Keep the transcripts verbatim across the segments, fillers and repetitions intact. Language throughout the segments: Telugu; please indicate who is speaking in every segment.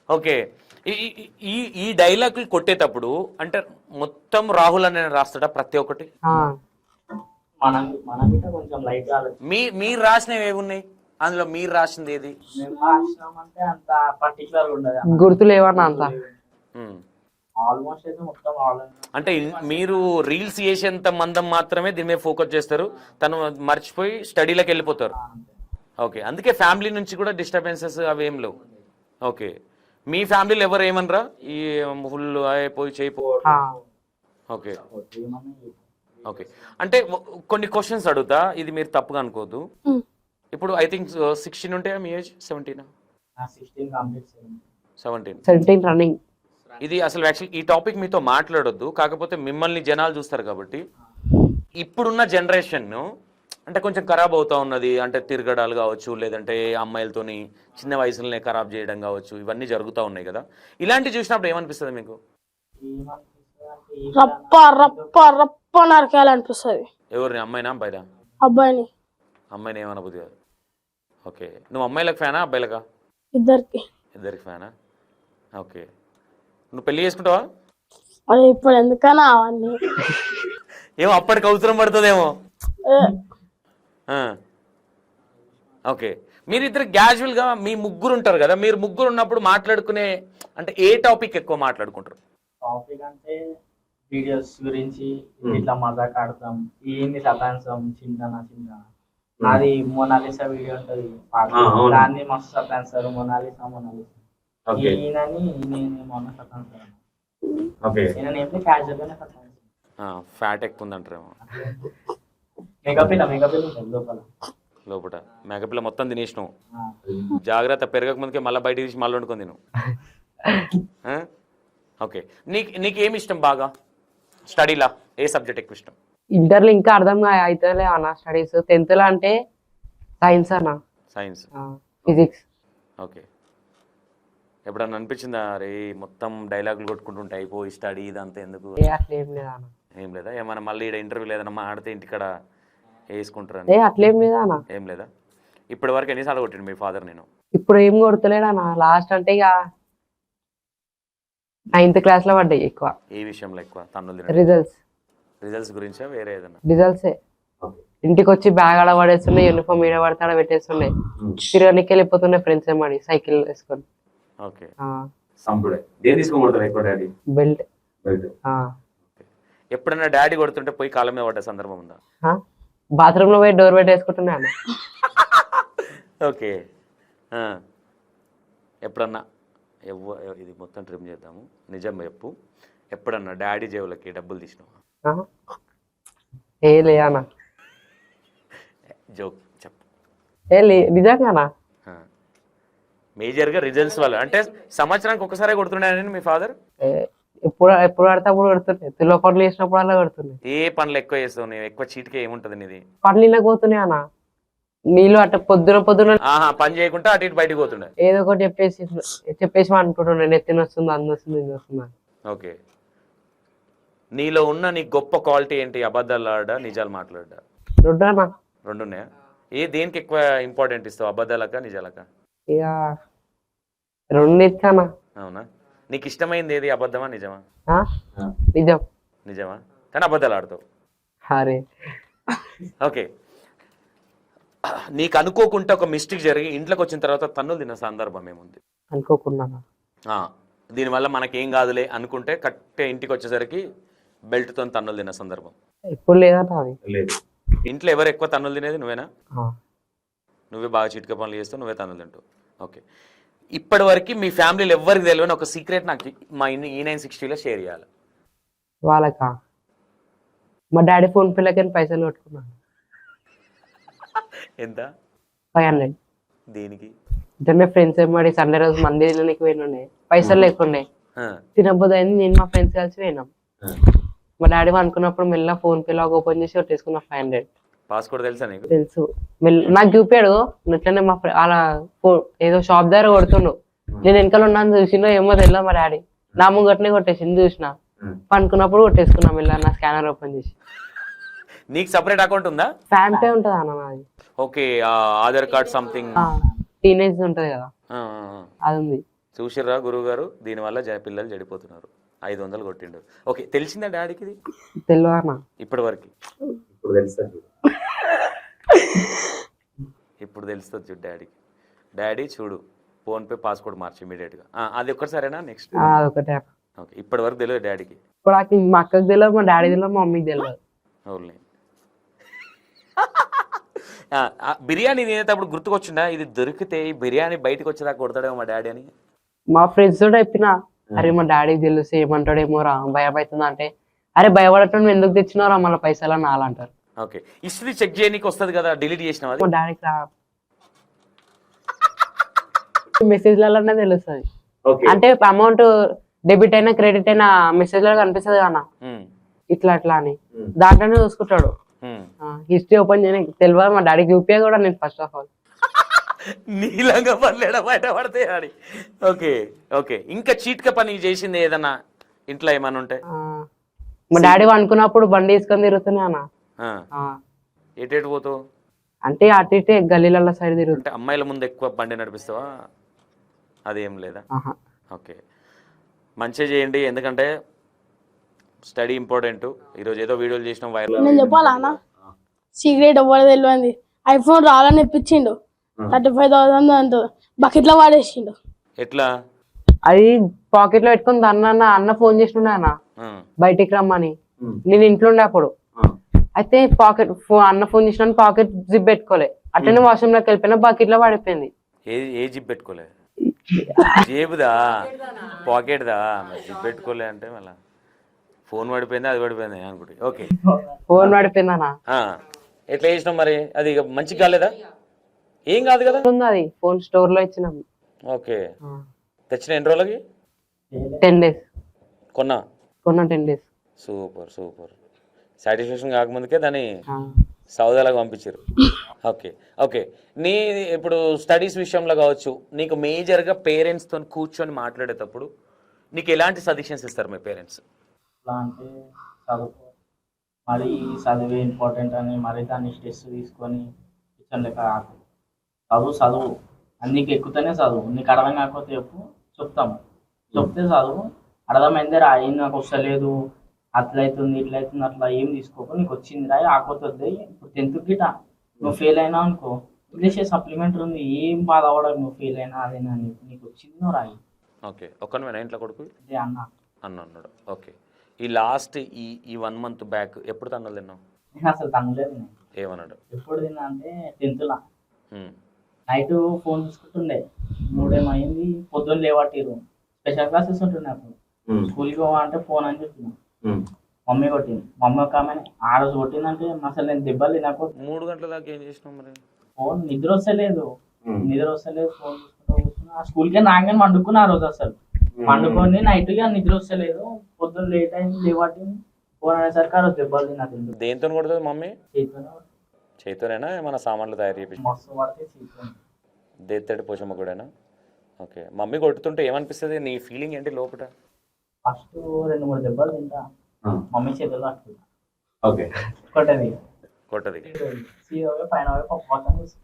Speaker 1: ఓకే. ఈ ఈ- ఈ ఈ డైలాగులు కొట్టేటప్పుడు అంటే మొత్తం రాహుల్ అనే రాస్తాడా ప్రతి ఒక్కటి?
Speaker 2: ఆ,
Speaker 3: మనం మనం గిట్ట కొంచెం లైట్ ఆలోచన
Speaker 1: మీ మీరు రాసినవి ఏమున్నాయి అందులో? మీరు రాసింది ఏది?
Speaker 3: మేము రాసినామంటే అంత పర్టికులర్ ఉండదు
Speaker 2: గుర్తు లేవన్నా అంత.
Speaker 1: ఉమ్.
Speaker 3: ఆల్మోస్ట్ అయితే మొత్తం ఆల్
Speaker 1: అంటే ఇన్- మీరు రీల్స్ చేసేంత మందం మాత్రమే దీని మీద ఫోకస్ చేస్తారు, తను మర్చిపోయి స్టడీలోకి వెళ్ళిపోతారు. ఓకే, అందుకే ఫ్యామిలీ నుంచి కూడా డిస్టర్బెన్సెస్ అవి ఏం లేవు. ఓకే, మీ ఫ్యామిలీలో ఎవరు ఏమనరా ఈ ఫుల్ అయిపోయి చేయిపో?
Speaker 2: ఆ,
Speaker 1: ఓకే ఓకే. అంటే ఒ- కొన్ని క్వశ్చన్స్ అడుగుతా, ఇది మీరు తప్పుగా అనుకోవద్దు. ఇప్పుడు ఐ థింక్ సిక్స్టీన్ ఉంటే మీ age seventeen
Speaker 3: sixteen complete
Speaker 1: seventeen
Speaker 2: seventeen running.
Speaker 1: ఇది అసలు యాక్చువల్ ఈ టాపిక్ మీతో మాట్లాడొద్దు, కాకపోతే మిమ్మల్ని జనాలు చూస్తారు కాబట్టి. ఇప్పుడున్న జనరేషన్ అంటే కొంచెం ఖరాబ్ అవుతా ఉన్నది, అంటే తిరగడాలు కావచ్చు, లేదంటే అమ్మాయిలతోని చిన్న వయసులోనే ఖరాబ్ చేయడం కావచ్చు, ఇవన్నీ జరుగుతూ ఉన్నాయి కదా. ఇలాంటివి చూసినప్పుడు ఏమనిపిస్తుంది మీకు?
Speaker 4: రప్ప రప్ప రప్ప నరకాలనిపిస్తుంది.
Speaker 1: ఎవరిని, అమ్మాయినా అబ్బాయినా?
Speaker 4: అబ్బాయిని
Speaker 1: అమ్మాయిని ఏమనబుద్ది కాదు. ఓకే, నువ్వు అమ్మాయిలకు ఫ్యానా అబ్బాయిలకా?
Speaker 4: ఇద్దరికి.
Speaker 1: ఇద్దరికి ఫ్యానా? ఓకే, నువ్వు పెళ్లి చేసుకుంటావా?
Speaker 4: అది ఇప్పుడు ఎందుకన్నా అవన్నీ
Speaker 1: ఏమో అప్పటికి అవసరం పడుతుందేమో.
Speaker 4: ఏ,
Speaker 1: ఆ. ఓకే, మీరిద్దరు క్యాజువల్గా మీ ముగ్గురు ఉంటారు కదా, మీరు ముగ్గురు ఉన్నప్పుడు మాట్లాడుకునే అంటే ఏ టాపిక్ ఎక్కువ మాట్లాడుకుంటారు?
Speaker 3: టాపిక్ అంటే వీడియోస్ గురించి ఇట్లా మజాక్ ఆడతాం, ఏంది సతాంశం చింతన చింత నాది మొనాలిసా వీడియో ఉంటది పాట, దాన్ని మస్తు సతాంశారు మొనాలిసా మొనాలిసా ఈయనని నేను మొన్న సతాంశారు ఈయన ఏంటి క్యాజువల్ గానే సతాంశారు.
Speaker 1: ఫ్యాట్ ఎక్కువ ఉందంటారేమో
Speaker 3: మేకప్ ఇలా మేకప్ ఉంటుంది లోపల
Speaker 1: లోపల. మేకపిల్ల మొత్తం తినేసినావు, జాగ్రత్త, పెరగక ముందుకే మళ్ళీ బయట తీసి మళ్ళీ వండుకొని తిను. ఆ? ఓకే, నీకు నీకేమి ఇష్టం బాగా స్టడీలా? ఏ సబ్జెక్ట్ ఎక్కువ ఇష్టం?
Speaker 2: ఇంటర్లో ఇంకా అర్థం అవుతలే అన్న స్టడీస్. టెన్త్ లో అంటే సైన్స్ అన్న,
Speaker 1: సైన్స్,
Speaker 2: ఫిజిక్స్.
Speaker 1: ఓకే. ఎప్పుడన్నా అనిపించిందా అరే మొత్తం డైలాగులు కొట్టుకుంటుంటే అయిపోయి స్టడీ ఇదంతా ఎందుకు?
Speaker 2: ఏ అట్లేం లేదా అన్న.
Speaker 1: ఏం లేదా? ఏమన్నా మళ్ళీ ఇక్కడ ఇంటర్వ్యూ లేదన్నా మాడితే ఇంటికాడ వేసుకుంటారని
Speaker 2: ఏ అట్లేం లేదా అన్న.
Speaker 1: ఏం లేదా? ఇప్పటి వరకు ఎన్నిసార్లు కొట్టిండు మీ ఫాదర్ నేను?
Speaker 2: ఇప్పుడు ఏం కొడతలేడు అన్న. లాస్ట్ అంటే ఇక నైన్త్ క్లాస్ లో పడ్డాయి ఎక్కువ
Speaker 1: ఏ విషయంలో ఎక్కువ తన్నులు తినడం?
Speaker 2: రిజల్ట్స్.
Speaker 1: రిజల్ట్స్ గురించా వేరే ఏదన్నా?
Speaker 2: రిజల్ట్సే. ఇంటికి వచ్చి బ్యాగ్ ఆడ పడేస్తుండే, యూనిఫామ్ ఈడ పడితే ఆడ పెట్టేస్తుండే, తిరగనికి వెళ్ళిపోతుండే ఫ్రెండ్స్ ఏమడి సైకిల్ వేసుకొని.
Speaker 1: Okay,
Speaker 2: belt.
Speaker 1: ఎప్పుడన్నా డాడీ కొడుతుంటే పోయి కాళ్ళ మీద పడ్డ సందర్భం ఉందా?
Speaker 2: బాత్రూమ్ లో పోయి డోర్ పెట్టేసుకుంటున్నా అన్న.
Speaker 1: ఓకే, ఆ. ఎప్పుడన్నా ఎవ్వ ఇది మొత్తం ట్రిమ్ చేద్దాము, నిజం చెప్పు, ఎప్పుడన్నా డాడీ జేబులకి డబ్బులు తీసినావా?
Speaker 2: ఆ? ఏ లే అన్న.
Speaker 1: జోక్ చెప్పు.
Speaker 2: ఏ లే నిజంగానా.
Speaker 1: మేజర్గా రిజల్ట్స్ వల్ల అంటే సంవత్సరానికి ఒకసారి కొడుతుండేనని మీ ఫాదర్?
Speaker 2: ఎప్పుడు ఎప్పుడు పడితే అప్పుడు కొడుతుండే, తులో పనులు వేసినప్పుడు అలా కొడుతుండే.
Speaker 1: ఏ పనులు ఎక్కువ చేస్తావు నువ్వు? ఎక్కువ చీటికే ఏముంటుంది నీది?
Speaker 2: పనులు ఇలా పోతున్నాయి అన్న. నీళ్ళు అట్ట పొద్దున పొద్దున
Speaker 1: ఆహా, పని చేయకుండా అటు ఇటు బయటకు పోతుండే.
Speaker 2: ఏదో ఒకటి చెప్పేసి చెప్పేసి అనుకుంటుండే, నెత్తిన వస్తుంది, అందు వస్తుంది, ఇది వస్తుంది.
Speaker 1: ఓకే, నీలో ఉన్న నీ గొప్ప క్వాలిటీ ఏంటి? అబద్ధాలు ఆడా నిజాలు మాట్లాడా?
Speaker 2: రెండు అన్న.
Speaker 1: రెండు ఉన్నాయా? ఏ దేనికి ఎక్కువ ఇంపార్టెంట్ ఇస్తావు, అబద్ధాలక నిజాలక?
Speaker 2: ఇక రెండు ఇచ్చానా.
Speaker 1: అవునా? నీకు ఇష్టమైంది ఏది, అబద్ధమా నిజమా?
Speaker 2: నిజం.
Speaker 1: నిజమా, కానీ అబద్ధాలు ఆడతావు.
Speaker 2: అరే
Speaker 1: ఓకే, నీకు అనుకోకుండా ఒక మిస్టేక్ జరిగి ఇంట్లోకి వచ్చిన తర్వాత తన్నులు తిన్న సందర్భం ఏముంది?
Speaker 2: అనుకోకుండా
Speaker 1: దీనివల్ల మనకేం కాదులే అనుకుంటే కట్టే ఇంటికి వచ్చేసరికి బెల్ట్తో తన్నులు తిన్న సందర్భం
Speaker 2: ఎప్పుడు లేదన్న అది.
Speaker 1: లేదు. ఇంట్లో ఎవరు ఎక్కువ తన్నులు తినేది? నువ్వేనా? నువ్వే బాగా చిటిక పనులు చేస్తావు, నువ్వే తన్నులు తింటావు. ఓకే, ఇప్పటి వరకు మీ ఫ్యామిలీలో ఎవరికి తెలియని ఒక సీక్రెట్ నాకు మా ఈ నైన్ సిక్స్టీలో షేర్ చేయాలి.
Speaker 2: వాళ్ళకా? మా డాడీ ఫోన్ పేలకి పైసలు కొట్టుకున్నాను.
Speaker 1: ఎంత?
Speaker 2: Five hundred.
Speaker 1: దేనికి?
Speaker 2: ఇద్దరు ఫ్రెండ్స్ ఏమడి సండే రోజు మంది తినడానికి పోయినండే, పైసలు లేకుండే, తినబోదు అయింది. నేను మా ఫ్రెండ్స్ కలిసి పోయినాం. మా డాడీ అనుకున్నప్పుడు మెల్ల ఫోన్ పే లాగా ఓపెన్ చేసి కొట్టేసుకున్నా ఫైవ్ హండ్రెడ్.
Speaker 1: పాస్వర్డ్ తెలుసా నీకు?
Speaker 2: తెలుసు. నాకు చూపాడు. ఇట్లనే మా అలా ఏదో షాప్ దగ్గర కొడుతుండు, నేను వెనకాల ఉన్నాను చూసిండో ఏమో తెలియదు. మా డాడీ నా ముంగట్నే కొట్టేసింది, చూసిన పనుకున్నప్పుడు కొట్టేసుకున్నా మెల్ల నా స్కానర్ ఓపెన్ చేసి.
Speaker 1: నీకు సపరేట్ అకౌంట్ ఉందా?
Speaker 2: ఫ్యాన్ పే ఉంటది అన్న నాది.
Speaker 1: Okay, Aadhaar card something
Speaker 2: teenage ఉంటది కదా, అది ఉంది.
Speaker 1: చూసిర్రా గురువు గారు, దీనివల్ల జ పిల్లలు చెడిపోతున్నారు. ఐదు వందలు కొట్టిండు. ఓకే, తెలిసిందా డాడీకి ఇది
Speaker 2: తెలియనా
Speaker 1: ఇప్పటి వరకు?
Speaker 5: ఇప్పుడు తెలుస్తుంది చూడు.
Speaker 1: ఇప్పుడు తెలుస్తుంది చూడు డాడీకి. డాడీ చూడు, ఫోన్పే పాస్వర్డ్ మార్చి ఇమీడియట్గా. అది ఒక్కటి సరేనా? నెక్స్ట్
Speaker 2: అదొకటే.
Speaker 1: ఓకే, ఇప్పటి వరకు తెలియదు డాడీకి.
Speaker 2: ఇప్పుడు నాకు మా అక్కకి తెలియదు, మా డాడీ తెలియదు, మా మమ్మీకి తెలియదు.
Speaker 1: ఓన్లీ బిర్యానీ తినేటప్పుడు గుర్తుకొచ్చిందా, ఇది దొరికితే ఈ బిర్యానీ బయటకు వచ్చేదాకా కొడతాడేమో మా డాడీ అని?
Speaker 2: మా ఫ్రెండ్స్ తోటి చెప్పిన, అరే మా డాడీకి తెలుసు ఏమంటాడేమో రా, భయం అవుతుంది అంటే, అరే భయపడటం నువ్వు ఎందుకు తెచ్చినావు రా మళ్ళీ పైసలు అని నాలంటారు.
Speaker 1: ఓకే, హిస్టరీ చెక్ చేయడానికి వస్తుంది కదా, డిలీట్ చేసినావా?
Speaker 2: మా డాడీకి రా మెసేజ్లలోనే తెలుస్తుంది.
Speaker 5: ఓకే
Speaker 2: అంటే అమౌంట్ డెబిట్ అయినా క్రెడిట్ అయినా మెసేజ్ లో కనిపిస్తుంది కదా
Speaker 1: ఉమ్,
Speaker 2: ఇట్లా అట్లా అని,
Speaker 5: ఉమ్.
Speaker 2: దాంట్లోనే చూసుకుంటాడు.
Speaker 1: ఉమ్.
Speaker 2: హిస్టరీ ఓపెన్ చేయడానికి తెలియదు మా డాడీకి యూపీఐ కూడా నేను ఫస్ట్ ఆఫ్ ఆల్.
Speaker 1: నీలంగా పర్లేడా బయట పడితే అని. ఓకే ఓకే, ఇంకా చీట్క పని చేసింది ఏదన్నా ఇంట్లో ఏమన్నా ఉంటే?
Speaker 2: ఆ, మా డాడీ అనుకున్నప్పుడు బండి తీసుకొని తిరుగుతున్నా అన్న.
Speaker 1: ఆ,
Speaker 2: ఆ,
Speaker 1: ఎటేటు పోతావు?
Speaker 2: అంటే అటు ఇటే గల్లీల సైడ్ తిరుగుతా.
Speaker 1: అంటే అమ్మాయిల ముందు ఎక్కువ బండి నడిపిస్తావా? అదేం లేదా?
Speaker 2: ఆహా.
Speaker 1: ఓకే, మంచిగా చేయండి, ఎందుకంటే స్టడీ ఇంపార్టెంట్. ఈరోజు ఏదో వీడియోలు చేసినాం వైరల్.
Speaker 4: నేను చెప్పాలా అన్న, సీక్రెట్ ఎవరు తెలియదు, ఐఫోన్ రాలని ఇప్పించిండు, థర్టీ ఫైవ్ థౌసండ్ అంటూ బకెట్ లో వాడేసిండు.
Speaker 1: ఎట్లా?
Speaker 2: అది పాకెట్ లో పెట్టుకుని అన్న అన్న ఫోన్ చేస్తుండే అన్న
Speaker 1: ఆ,
Speaker 2: బయటికి రమ్మని.
Speaker 5: ఉమ్.
Speaker 2: నేను ఇంట్లో ఉండే అప్పుడు.
Speaker 5: ఆ.
Speaker 2: అయితే పాకెట్ అన్న ఫోన్ చేసిన పాకెట్ జిప్ పెట్టుకోలే, అట్లనే వాష్రూమ్ లోకి వెళ్ళిపోయినా బకెట్ లో పడిపోయింది.
Speaker 1: ఏ ఏ జిప్ పెట్టుకోలే? జేబుదా పాకెట్దా? జిప్ పెట్టుకోలే అంటే మళ్ళా ఫోన్ పడిపోయింది, అది పడిపోయింది అనుకుంటే. ఓకే,
Speaker 2: ఫోన్ పడిపోయింది అన్న.
Speaker 1: ఆ, ఎట్లా చేసినాం మరి? అది ఇక మంచిగా కాలేదా? ఏం కాదు కదా.
Speaker 2: ఉంది అది ఫోన్ స్టోర్ లో ఇచ్చినాం.
Speaker 1: ఓకే, తెచ్చిన ఎన్ని రోజులకి?
Speaker 2: టెన్ డేస్
Speaker 1: కొన్నా
Speaker 2: కొన్న ten days.
Speaker 1: Super super. Satisfaction కాకముందుకే దాన్ని సౌదాలకు పంపించారు. ఓకే ఓకే, నీ ఇప్పుడు స్టడీస్ విషయంలో కావచ్చు, నీకు మేజర్గా పేరెంట్స్తో కూర్చొని మాట్లాడేటప్పుడు నీకు ఎలాంటి సజెషన్స్ ఇస్తారు మీ పేరెంట్స్?
Speaker 3: ఎట్లా అంటే చదువుకో, మరి చదివే ఇంపార్టెంట్ అని మరి దాన్ని స్ట్రెస్ తీసుకొని కిచెన్ లెక్క కాకు. చదువు చదువు అన్నికి ఎక్కుతేనే చదువు, నీకు అర్థం కాకపోతే చెప్పు, చెప్తాము. చెప్తే చదువు, అర్థమైందే రా, ఏం నాకు వస్తలేదు, అట్లయితుంది ఇట్లయితుంది అట్లా ఏం తీసుకోకు, నీకు వచ్చింది రాయి, ఆకపోతుంది. ఇప్పుడు టెన్త్ గిట నువ్వు ఫెయిల్ అయినా అనుకో, ఇంగ్లీష్ సప్లిమెంటరీ ఉంది, ఏం బాధ అవ్వడం, నువ్వు ఫెయిల్ అయినా అదేనా, నీకు వచ్చింది నువ్వు రాయి.
Speaker 1: ఓకే, ఒక్కనివేనా ఇంట్లో కొడుకు?
Speaker 3: అదే అన్న.
Speaker 1: అన్న అన్నాడు. ఓకే, ఈ లాస్ట్ ఈ ఈ వన్ మంత్ బ్యాక్ ఎప్పుడు తన్నులు తిన్నావు?
Speaker 3: నేను అసలు తనలేదు. నేను
Speaker 1: ఏమన్నాడు?
Speaker 3: ఎప్పుడు తిన్నా అంటే టెన్త్లా
Speaker 1: ఉమ్,
Speaker 3: నైట్ ఫోన్ చూసుకుంటుండే, మూడేమో అయింది, పొద్దున్న లేవట్టిరు, స్పెషల్ క్లాసెస్ ఉంటుండే అప్పుడు,
Speaker 5: ఉమ్.
Speaker 3: స్కూల్కి పోవా అంటే ఫోన్ అని చెప్పిన,
Speaker 5: ఉమ్.
Speaker 3: మమ్మీ కొట్టింది. మమ్మీ ఒక ఆమె ఆ రోజు కొట్టిందంటే అసలు నేను దెబ్బలు తినకు,
Speaker 1: మూడు గంటల దాకా ఏం చేసినావు మరి?
Speaker 3: ఫోన్ నిద్ర వస్తలేదు,
Speaker 5: ఉమ్.
Speaker 3: నిద్ర వస్తలేదు, ఫోన్ చూసుకుంటూ కూర్చున్నా. ఆ స్కూల్కే నాగానే వండుకున్నా ఆ రోజు, అసలు వండుకొని నైట్ గా నిద్ర వస్తలేదు, పొద్దున్న లేట్ అయింది లేవట్టింది, ఫోన్ అనేసరికి ఆ రోజు దెబ్బలు తిన్నా. తింటు
Speaker 1: దేంతో కొడుతుంది మమ్మీ?
Speaker 3: చేతితోనే
Speaker 1: చేతితోనేనా ఏమైనా సామాన్లు తయారు చేపించి?
Speaker 3: మస్తు పడితే చేతితో.
Speaker 1: దేత్తడి పోషమ్మ కూడానా? ఓకే, మమ్మీ కొట్టుతుంటే ఏమనిపిస్తుంది, నీ ఫీలింగ్ ఏంటి లోపల?
Speaker 3: ఫస్ట్ రెండు మూడు దెబ్బలు తింటా,
Speaker 5: ఆ.
Speaker 3: మమ్మీ చేతుల్లో పట్టుకుంటా,
Speaker 5: ఓకే
Speaker 3: కొట్టది
Speaker 1: కొట్టది.
Speaker 3: సీదా పోయి పైన పోయి పప్పు పక్కన కూర్చుంటా,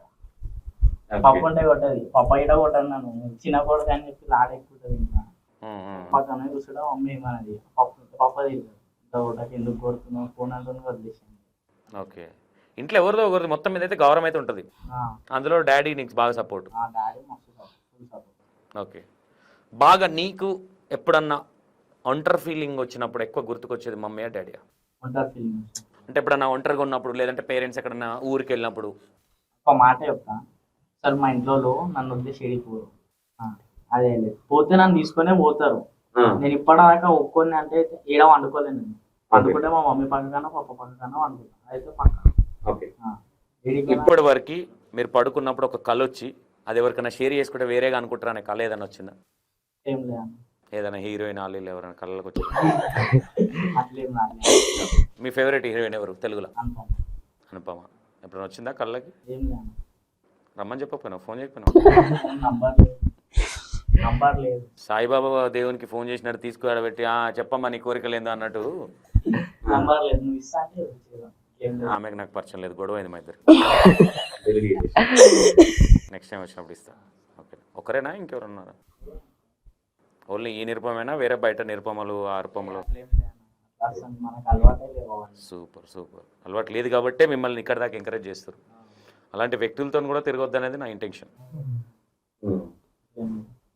Speaker 3: పప్పు ఉంటే కొట్టది, పప్పు ఇట కొట్టాను నన్ను, చిన్న కొడుకు అని చెప్పి లాడ ఎక్కుంటది, ఇంకా
Speaker 1: ఉమ్, ఉమ్.
Speaker 3: పక్కన కూర్చుంటా. మమ్మీ ఏమన్నది, పప్పు పప్పు తిరుగుతుంది, ఇంత కొట్టకి ఎందుకు కొడుతున్నావు, ఫోన్ అంటుంది, వదిలేసాను.
Speaker 1: ఓకే, ఇంట్లో ఎవరిదో ఒకరిది మొత్తం మీద అయితే గౌరవం అయితే ఉంటుంది. అందులో డాడీ నీకు బాగా సపోర్ట్.
Speaker 3: ఆ డాడీ మస్తు ఫుల్ సపోర్ట్.
Speaker 1: ఓకే, బాగా నీకు ఎప్పుడన్నా ఒంటరి ఫీలింగ్ వచ్చినప్పుడు ఎక్కువ గుర్తుకొచ్చేది మమ్మీయా డాడీయా?
Speaker 3: ఉంటారు ఫీలింగ్.
Speaker 1: అంటే ఎప్పుడన్నా ఒంటరిగా ఉన్నప్పుడు, లేదంటే పేరెంట్స్ ఎక్కడన్నా ఊరికి వెళ్ళినప్పుడు?
Speaker 3: ఒక మాట చెప్తా, సార్ మా ఇంట్లో నన్ను వదిలేసి ఏడిపోరు, అదే లేదు పోతే నన్ను తీసుకునే పోతారు. నేను ఇప్పటిదాకా ఒక్కొని అంటే ఏడ వండుకోలేను, నేను వండుకుంటే మా మమ్మీ పక్కన పప్ప పక్కన వండుకుంటాను, అయితే పక్క.
Speaker 5: ఓకే
Speaker 1: ఇప్పటి వరకు మీరు పడుకున్నప్పుడు ఒక కళ వచ్చి అది ఎవరికైనా షేర్ చేసుకుంటే వేరేగా అనుకుంటారా అనే కళ ఏదైనా వచ్చిందా?
Speaker 3: ఏం లేదు,
Speaker 1: ఏదైనా హీరోయిన్ వాళ్ళు ఎవరైనా కళ్ళకి వచ్చి?
Speaker 3: అట్లేం రాలేదు.
Speaker 1: మీ ఫేవరెట్ హీరోయిన్ ఎవరు తెలుగులో?
Speaker 3: అనుకోం,
Speaker 1: అనుపమ. ఎప్పుడైనా వచ్చిందా కళ్ళకి?
Speaker 3: ఏం లేదు,
Speaker 1: రమ్మని చెప్పకపోయినావు, ఫోన్ చేయకపోయినావు?
Speaker 3: నంబర్ లేదు, నంబర్ లేదు.
Speaker 1: సాయిబాబా దేవునికి ఫోన్ చేసినట్టు తీసుకురాబెట్టి చెప్పమ్మా నీ కోరికలు ఏందో అన్నట్టు.
Speaker 3: నంబర్ లేదు, నువ్వు ఇస్తా అంటే ఇచ్చేదాం. ఏం లేదు,
Speaker 1: ఆమెకు నాకు పరిచయం లేదు, గొడవ అయింది మా ఇద్దరు. నెక్స్ట్ టైం వచ్చినప్పుడు ఇస్తా. ఓకే, ఒకరేనా ఇంకెవరు ఉన్నారా? ఓన్లీ ఈ నిరుపమేనా వేరే బయట నిరుపమలు ఆరుపమలు?
Speaker 3: అట్లేం లేదు అన్న. అసలు మనకు అలవాటే లేవు అవన్నీ.
Speaker 1: Super super. అలవాటు లేదు కాబట్టే మిమ్మల్ని ఇక్కడ దాకా ఎంకరేజ్ చేస్తారు. అలాంటి వ్యక్తులతో కూడా తిరగొద్దు అనేది నా ఇంటెన్షన్.